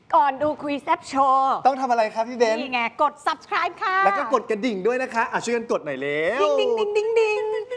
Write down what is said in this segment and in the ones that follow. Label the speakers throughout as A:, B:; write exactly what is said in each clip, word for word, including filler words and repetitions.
A: ก่อนดูคุยแซบโชว์
B: ต้องทำอะไรครับพี่เบน
A: นี่ไงกด subscribe ค่ะ
B: แล้วก็กดกระดิ่งด้วยนะคะอ่ะช่วยกันกดหน่อยเร็ว
A: ดิ้งดิ้งดิ้งดิ้งดิ้ง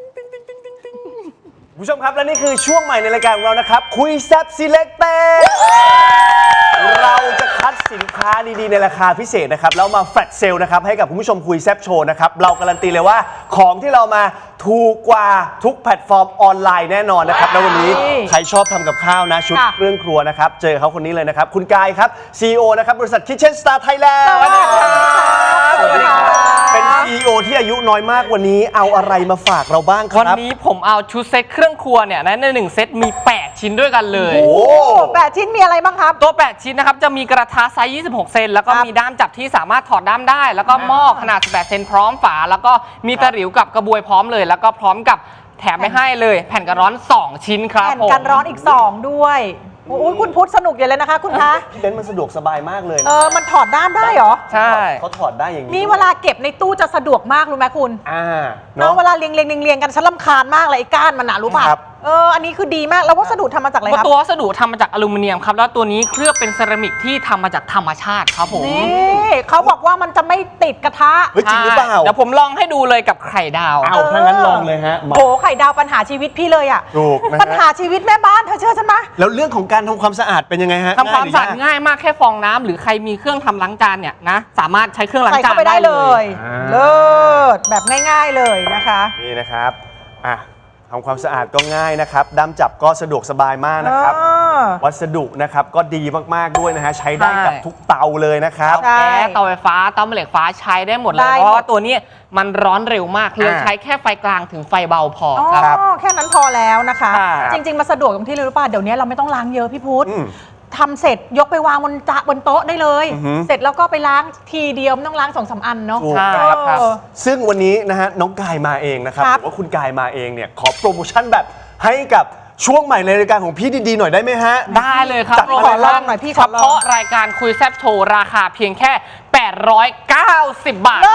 B: ผู้ชมครับและนี่คือช่วงใหม่ในรายการของเรานะครับคุยแซบ Selected เราจะคัดสินค้าดีๆในราคาพิเศษนะครับแล้วมาแฟลชเซลนะครับให้กับคุณผู้ชมคุยแซบโชว์นะครับเราการันตีเลยว่าของที่เรามาถูกกว่าทุกแพลตฟอร์มออนไลน์แน่นอนนะครับแล้ววันนี้ใครชอบทำกับข้าวนะชุดเครื่องครัวนะครับเจอเขาคนนี้เลยนะครับคุณกายครับ ซี อี โอ นะครับบริษัท Kitchen Star Thailand
A: สวัสดีครับ
B: สวัสดีครับเป็น ซี อี โอ ที่อายุน้อยมากวันนี้เอาอะไรมาฝากเราบ้างครับ
C: วันนี้ผมเอาชุดเซตเครื่องครัวเนี่ยนะในหนึ่งเซตมีแปดชิ้นด้วยกันเลย
B: โอ้
A: แปดชิ้นมีอะไรบ้างครับ
C: ตัวแปดชิ้นนะครับจะมีกระทะไซส์ยี่สิบหกเซนแล้วก็มีด้ามจับที่สามารถถอดด้ามได้แล้วก็หม้อขนาดสิบแปดเซนพร้อมฝาแล้วก็มีตะหลิวกับกระบวยพร้อมเลยแล้วก็พร้อมกับแถมไปให้เลยแผ่นกันร้อนสองชิ้นครับ
D: แผ่น
C: ผม
D: กันร้อนอีกสองด้วยโอ้ยคุณพุทธสนุกอย่างเลยนะคะคุณคะ
B: พี่เบนซ์มันสะดวกสบายมากเลย
D: เอ
B: นะ
D: อมันถอดด้ามได้เหรอ
C: ใช่
B: เขาถอดได้อย่างนี้
D: นี่เวลาเก็บในตู้จะสะดวกมากรู้ไหมคุณ
B: อ่า
D: เนาะเวลาเรียงเรียงเรียงเรียงกันฉันรำคาญมากเลยไอ้ก้านมันหนารู้ป่ะ
B: ครับ
D: เอออันนี้คือดีมากแล้ววัสดุทำมาจากอะไรครับ
C: ตัววัสดุทำมาจากอลูมิเนียมครับแล้วตัวนี้เคลือบเป็นเซรามิกที่ทำมาจากธรรมชาติครับผม
D: นี่เขาบอกว่ามันจะไม่ติดกระทะ
B: เฮ้ยจริงหรือเปล่า
C: เดี๋ยวผมลองให้ดูเลยกับไข่ดาว
B: เอาถ้างั้นลองเลยฮะมา
D: โหไข่ดาวปัญหาชีวิตพี่เลยอ่ะ
B: ถูกนะฮะ
D: ปัญหาชีวิตแม่บ้านเธอเชื่อฉันไหม
B: แล้วเรื่องของการทำความสะอาดเป็นยังไงฮะ
C: ทำความสะอาด
B: ยหรืยก
C: ง่ายมากแค่ฟองน้ำหรือใครมีเครื่องทำล้างจานเนี่ยนะสามารถใช้เครื่องล้าง
D: ใส่
C: จา
D: เข้าน ไปได้เลย
B: อ่า
D: เลิศแบบง่ายๆเลยนะคะ
B: นี่นะครับอ่ะทำความสะอาดก็ง่ายนะครับด้ามจับก็สะดวกสบายมากนะครับ
D: เออ
B: วัสดุนะครับก็ดีมากๆด้วยนะฮะใช้ได้กับทุกเตาเลยนะครับ
D: ใช่
C: แก๊สเตาไฟฟ้าเตาแม่เหล็กฟ้าใช้ได้หมดเล
D: ได้
C: ย
D: หมด
C: เพราะว่าตัวนี้มันร้อนเร็วมากเลย
B: อ่า
C: ใช้แค่ไฟกลางถึงไฟเบาพอ
D: อ๋อ
C: ครับ
D: แค่นั้นพอแล้วนะคะ
C: ใช่
D: จริง ๆ มาสะดวกตรงที่เลยรู้ป่ะเดี๋ยวนี้เราไม่ต้องล้างเยอะพี่พุทธ
B: อืม
D: ทำเสร็จยกไปวางบนจะบนโต๊ะได้เลย
B: อือหือ
D: เสร็จแล้วก็ไปล้างทีเดียวไม่ต้องล้างสองสามอันเนาะ
B: ถูก
C: ใช่
B: ครับ
C: ครับ
D: เออ
B: ซึ่งวันนี้นะฮะน้องกายมาเองนะครับ
D: ครับ
B: หรือว่าคุณกายมาเองเนี่ยขอโปรโมชั่นแบบให้กับช่วงใหม่ในรายการของพี่ดีๆหน่อยได้ไหมฮะ
C: ได้เลยครับ
B: จัดมา
D: ขอลองหน่อยพี่ข
C: เฉ
D: อลอง
C: พาะรายการคุยแซบโชว์ราคาเพียงแค่ แปดร้อยเก้าสิบบาท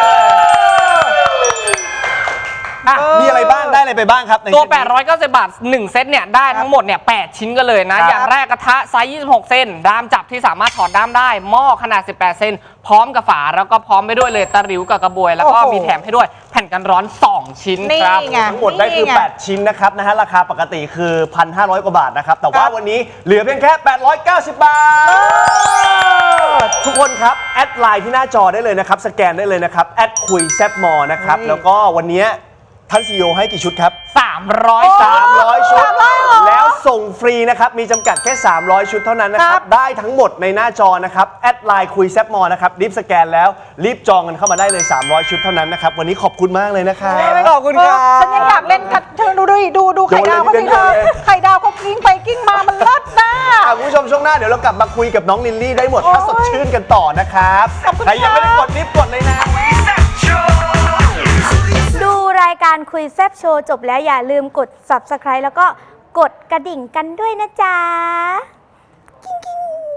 B: อ่ะมีอะไรบ้างได้อะไรไปบ้างครับใน
C: ตัว
B: เซตนี้
C: แปดร้อยเก้าสิบบาทหนึ่งเซตเนี่ยได้ทั้งหมดเนี่ยแปดชิ้นกันเลยนะ
B: ครับ
C: อย่างแรกกระทะไซส์ยี่สิบหกเซนด้ามจับที่สามารถถอดด้ามได้หม้อขนาดสิบแปดเซนพร้อมกับฝาแล้วก็พร้อมไปด้วยเลยตะหลิวกับกระบวย แล้วก็
D: โอ้โห
C: มีแถมให้ด้วยแผ่นกันร้อนสองชิ้น
D: นี่
C: ครับ
D: ไง
B: ทั้งหมดได้คือ
D: นี่ไง
B: แปด ชิ้นนะครับนะฮะราคาปกติคือ หนึ่งพันห้าร้อย กว่าบาทนะครับแต่ว่า
D: ครับ
B: วันนี้เหลือเพียงแค่ แปดร้อยเก้าสิบบาท ทุกคนครับ แอดไลน์ที่หน้าจอได้เลยนะครับ สแกนได้เลยนะครับแอดคุยแซบมอนะครับ
D: นี่
B: แล้วก็วันนี้ท่านซีอีโอให้กี่ชุดครับ
C: สามร้อย
D: โอ้
C: สาม
B: สามร้อย ชุด
D: สามร้อยเหรอ
B: แล้วส่งฟรีนะครับ มีจำกัดแค่ สามร้อย ชุดเท่านั้นนะค
D: ครั
B: รับ
D: บ
B: ได้ทั้งหมดในหน้าจอนะครับ แอดไลน์คุยแซบมอนะครับ รีบสแกนแล้ว รีบจองกันเข้ามาได้เลย สามร้อย ชุดเท่านั้นนะครับ วันนี้ขอบคุณมากเลยนะครับ
C: ขอบคุณค
D: เอ
C: รั
D: อบ ฉันยังอยากเล่นกับเธอดูดูดูดูไข่ดาวเขาสิ
B: โยนเลย
D: เธอ
B: โยนเลย
D: ไข่ดาวเขากิ้งไปกิ้งมามันเลิศนะ
B: อ่ะคุณผู้ชมช่วงหน้าเดี๋ยวเรากลับมาคุยกับน้องลิลลี่ได้หมด
D: โอ้ย
B: ถ้าสดชื่นกันต่อนะครับ
D: ขอบคุณ
B: ใครยังไม่ได้
D: ครับ
B: กดรีบกดเลยนะ
E: ดูรายการคุยแซบโชว์จบแล้วอย่าลืมกด ซับสไครบ์ แล้วก็กดกระดิ่งกันด้วยนะจ๊ะ กิ้งกิ้ง